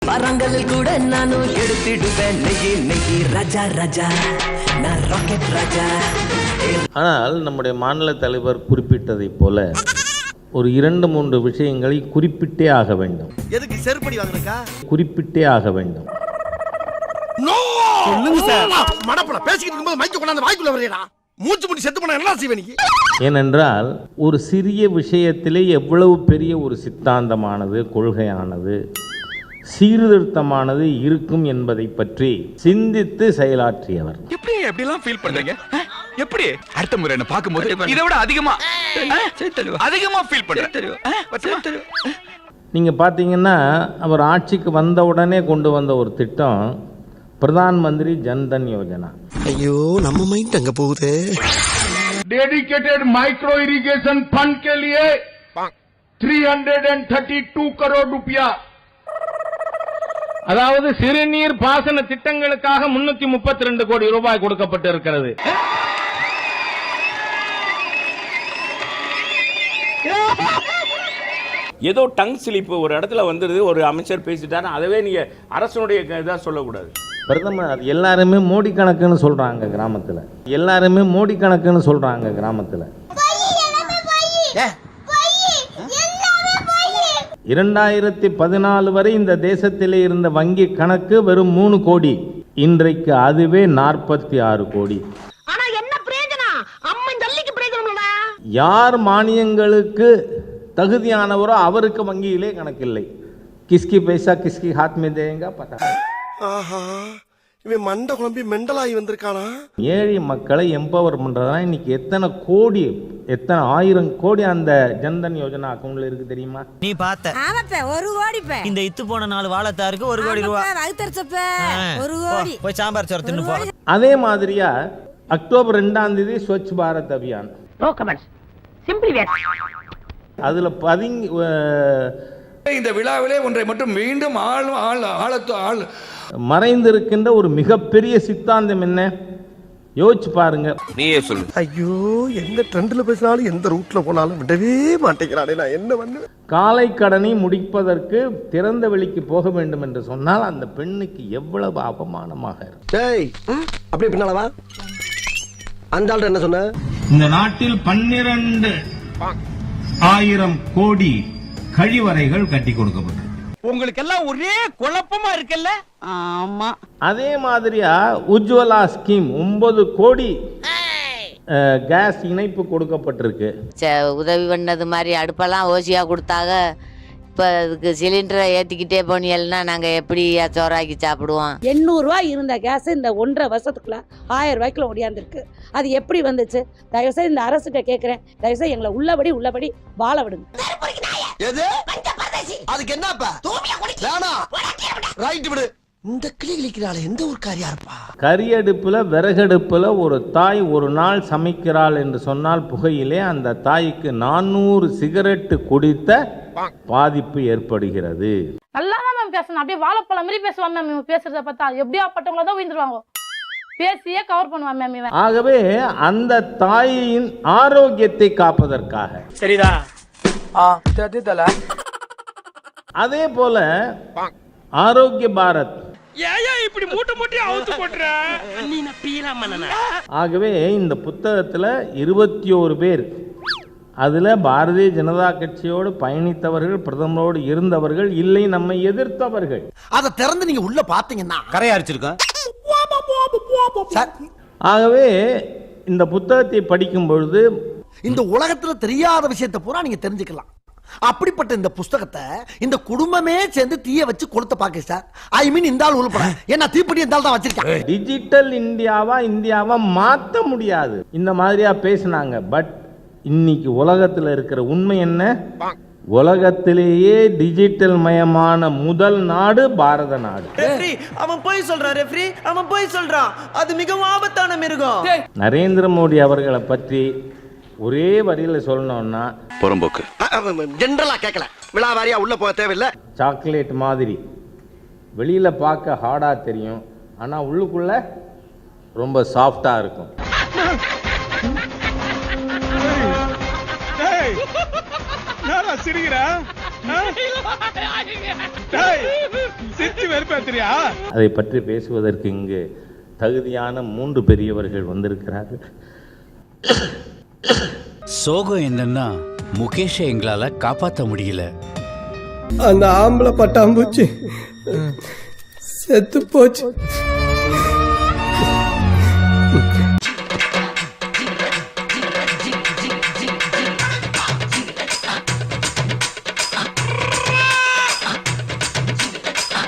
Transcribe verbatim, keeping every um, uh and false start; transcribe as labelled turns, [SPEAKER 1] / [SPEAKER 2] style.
[SPEAKER 1] பரங்களில் கூட நானும் எடுத்திடுவேன் நெகி நெகி ராஜா ராஜா நான் ராக்கெட் ராஜா.
[SPEAKER 2] ஆனால் நம்முடைய மாநில தலைவர் குறிப்பிட்டதைப் போல ஒரு இரண்டு மூன்று விஷயங்களை குறிப்பிட்டே ஆக வேண்டும்.
[SPEAKER 3] எதுக்கு செருப்படி வாங்குறக்கா?
[SPEAKER 2] குறிப்பிட்டே ஆக வேண்டும்.
[SPEAKER 3] சொல்லுங்க சார். மடப்பட பேசிக்கிட்டு இருக்கும்போது மைக்க கொண்டாந்து வாய்க்குள்ள வரையடா. மூச்சு முடி செத்து போனா என்ன செய்வே நீ?
[SPEAKER 2] ஏனென்றால் ஒரு சிறிய விஷயத்திலே எவ்வளவு பெரிய ஒரு சித்தாந்தமானது, கொள்கையானது, சீர்திருத்தமானது இருக்கும் என்பதை பற்றி சிந்தித்து செயலாற்றியவர்.
[SPEAKER 4] எப்படி எப்படிலாம் ஃபீல் பண்றீங்க? எப்படி அடுத்த முறை என்ன பாக்கும்போது இதை விட அதிகமா அதிகமா ஃபீல் பண்றேன்.
[SPEAKER 2] நீங்க பாத்தீங்கன்னா அவர் ஆட்சிக்கு வந்த உடனே கொண்டு வந்த ஒரு திட்டம் பிரதான் மந்திரி ஜன்தன் யோஜனா.
[SPEAKER 3] ஐயோ நம்ம மைண்ட் அங்க போகுது.
[SPEAKER 5] डेडिकेटेड माइक्रो इरिगेशन फंड के लिए तीन सौ बत्तीस करोड़ रुपया, அதாவது சிறுநீர் பாசன திட்டங்களுக்காக முன்னூத்தி முப்பத்தி ரெண்டு கோடி ரூபாய் கொடுக்கப்பட்டு இருக்கிறது.
[SPEAKER 6] ஏதோ டங் ஸ்லிப் ஒரு இடத்துல வந்துடுது, ஒரு அமைச்சர் பேசிட்டாரு, அதவே நீங்க அரசனுடைய இதாக சொல்லக்கூடாது.
[SPEAKER 2] பிரதமர் எல்லாருமே மோடி கணக்குன்னு சொல்றாங்க கிராமத்தில், எல்லாருமே மோடி கணக்குன்னு சொல்றாங்க கிராமத்தில். இரண்டாயிரத்தி பதினாலு வரை இந்த தேசத்திலே இருந்த வங்கி கணக்கு வெறும் மூணு கோடி, இன்றைக்கு அதுவே நாற்பத்தி ஆறு கோடி. யார் மானியங்களுக்கு தகுதியானவரோ அவருக்கு வங்கியிலே கணக்கில்லை. கிஸ்கி பைசா கிஸ்கி ஹாத் மே தேங்க பதா.
[SPEAKER 3] ஆஹா, இவன் மண்டை குழம்பி மெண்டலாகி வந்திருக்கானா?
[SPEAKER 2] ஏழை மக்களை எம்பவர் பண்றதுனா இன்னைக்கு எத்தனை கோடி, எத்தனை ஆயிரம் கோடி அந்த ஜன்தன் யோஜனா அக்கவுண்ட்ல இருக்கு தெரியுமா?
[SPEAKER 7] நீ பார்த்த
[SPEAKER 8] ஆமாப்பா, ஒரு கோடி பே.
[SPEAKER 7] இந்த இத்து போன நாலு வாழைத்தாருக்கு ஒரு கோடி ரூபாய் வகுத்தறச்சப்ப ஒரு கோடி. போய் சாம்பார் சோறு தின்னு போ.
[SPEAKER 2] அதே மாதிரியா அக்டோபர் ரெண்டாம் தேதி Swachh Bharat Abhiyan.
[SPEAKER 9] No comments, simply wait.
[SPEAKER 2] அதுல பதிங்க
[SPEAKER 4] இந்த விழாவிலே ஒன்றை மட்டும் மீண்டும் ஆள் ஆள் ஆழத்து ஆள்
[SPEAKER 2] மறைந்திருக்கின்ற ஒரு மிகப்பெரிய சித்தாந்தம் என்ன யோசிச்சு பாருங்க.
[SPEAKER 6] நீயே சொல்லு.
[SPEAKER 3] ஐயோ, எந்த ட்ரெண்ட்ல பேசினாலும் எந்த ரூட்ல போனாலும் விடவே மாட்டேங்கிறானே, நான் என்ன பண்ணுவேன்?
[SPEAKER 2] காலை கடனை முடிப்பதற்கு திறந்த வெளிக்கு போக வேண்டும் என்று சொன்னால் அந்த பெண்ணுக்கு எவ்வளவு அவமானமாக இருக்கும்.
[SPEAKER 3] டேய், அப்படியே பின்னால வா. அந்த ஆள் என்ன சொன்ன?
[SPEAKER 5] இந்த நாட்டில் பன்னிரண்டு ஆயிரம் கோடி கழிவறைகள் கட்டி கொடுக்கப்பட்டது.
[SPEAKER 4] உங்களுக்கு எல்லாம் ஒரே குழப்பமா இருக்குல்ல?
[SPEAKER 9] ஆமா.
[SPEAKER 2] அதே மாதிரியா உஜ்வலா ஸ்கீம் ஒன்பது கோடி கேஸ் இணைப்பு கொடுக்கப்பட்டிருக்கு.
[SPEAKER 8] உதவி பண்ணது மாதிரி அடுப்பெல்லாம் ஓசியா கொடுத்தாங்க. இப்போ அதுக்கு சிலிண்டரை ஏற்றிக்கிட்டே போனீங்கன்னா நாங்கள் எப்படி சோறாக்கி சாப்பிடுவோம்?
[SPEAKER 9] எண்ணூறுரூவா இருந்த கேஸ் இந்த ஒன்றரை வருஷத்துக்குள்ள ஆயிரம் ரூபாய்க்குள்ள ஒடியாந்துருக்கு. அது எப்படி வந்துச்சு? தயவுசெய்து இந்த அரசுகிட்ட கேட்குறேன், தயவுசெய்து எங்களை உள்ளபடி உள்ளபடி வாழ விடுங்க.
[SPEAKER 3] அதுக்கு என்னப்பா? ரைட் விடு. இந்த கிளி கிளிக்கிறாள் எந்த ஒரு காரியா இருப்பா?
[SPEAKER 2] கரியடுப்புல விறகடுப்புல ஒரு தாய் ஒரு நாள் சமைக்கிறாள் என்று சொன்னால் புகையிலே அந்த தாய்க்கு நானூறு சிகரெட்டு குடித்த பாதிப்பு ஏற்படுகிறது.
[SPEAKER 9] நல்லா தான் மேம் பேசணும், அப்படியே வாழைப்பழம் மாதிரி பேசுவாங்க மேம். இவங்க பேசுறத பார்த்தா எப்படியா பட்டவங்கள தான் உயிர்ந்துருவாங்க, பேசியே கவர் பண்ணுவாங்க மேம் இவன்.
[SPEAKER 2] ஆகவே அந்த தாயின் ஆரோக்கியத்தை காப்பதற்காக
[SPEAKER 7] சரிதா?
[SPEAKER 2] அதே போல ஆரோக்கிய பாரத்.
[SPEAKER 4] இப்படி மூட்டை மூட்டை அவுத்து போட்டுற.
[SPEAKER 2] ஆகவே இந்த புத்தகத்துல இருபத்தி ஓரு பேர், அதுல பாரதிய ஜனதா கட்சியோடு பயணித்தவர்கள், பிரதமரோடு இருந்தவர்கள், இல்லை நம்மை எதிர்த்தவர்கள்.
[SPEAKER 3] அதை திறந்து நீங்க உள்ள பாத்தீங்கன்னா கரையா அரிச்சிருக்கேன்.
[SPEAKER 2] ஆகவே இந்த புத்தகத்தை படிக்கும் பொழுது
[SPEAKER 3] இந்த உலகத்துல தெரியாத விஷயத்தை பூரா நீங்க தெரிஞ்சுக்கலாம். அப்படிப்பட்ட இந்த புஸ்தகத்தை இந்த குடும்பமே சேர்ந்து தீய வச்சு கொளுத்த பாக்க சார். ஐ மீன் இந்த ஆள் உள்பட என்ன தீப்பெட்டி இந்த ஆள் தான் வச்சிருக்கேன்.
[SPEAKER 2] டிஜிட்டல் இந்தியாவா இந்தியாவா மாற்ற முடியாது இந்த மாதிரியா பேசினாங்க. பட் இன்னைக்கு உலகத்துல இருக்கிற உண்மை என்ன? உலகத்திலேயே டிஜிட்டல் மயமான முதல் நாடு பாரத நாடு.
[SPEAKER 7] அவன் போய் சொல்றான் ரெஃப்ரி, அவன் போய் சொல்றான். அது மிகவும் ஆபத்தான மிருகம்.
[SPEAKER 2] நரேந்திர மோடி அவர்களை பற்றி ஒரே வரியில சொல்லணும்னா
[SPEAKER 4] புறம்போக்கு.
[SPEAKER 3] ஜெனரலா கேட்கல, விழாவாரியா உள்ள போக தேவையில்லை.
[SPEAKER 2] சாக்லேட் மாதிரி வெளியில பார்க்க ஹார்டா தெரியும், ஆனா உள்ளுக்குள்ள ரொம்ப சாஃப்டா இருக்கும்.
[SPEAKER 5] சிரிக்கிறா வெறுப்பேத்திரியா?
[SPEAKER 2] அதை பற்றி பேசுவதற்கு இங்கு தகுதியான மூன்று பெரியவர்கள் வந்திருக்கிறார்கள்.
[SPEAKER 10] சோகம் என்னன்னா முகேஷை எங்களால காப்பாற்ற முடியல.
[SPEAKER 1] அந்த ஆம்பளை பட்டாம்பூச்சி செத்து போச்சு.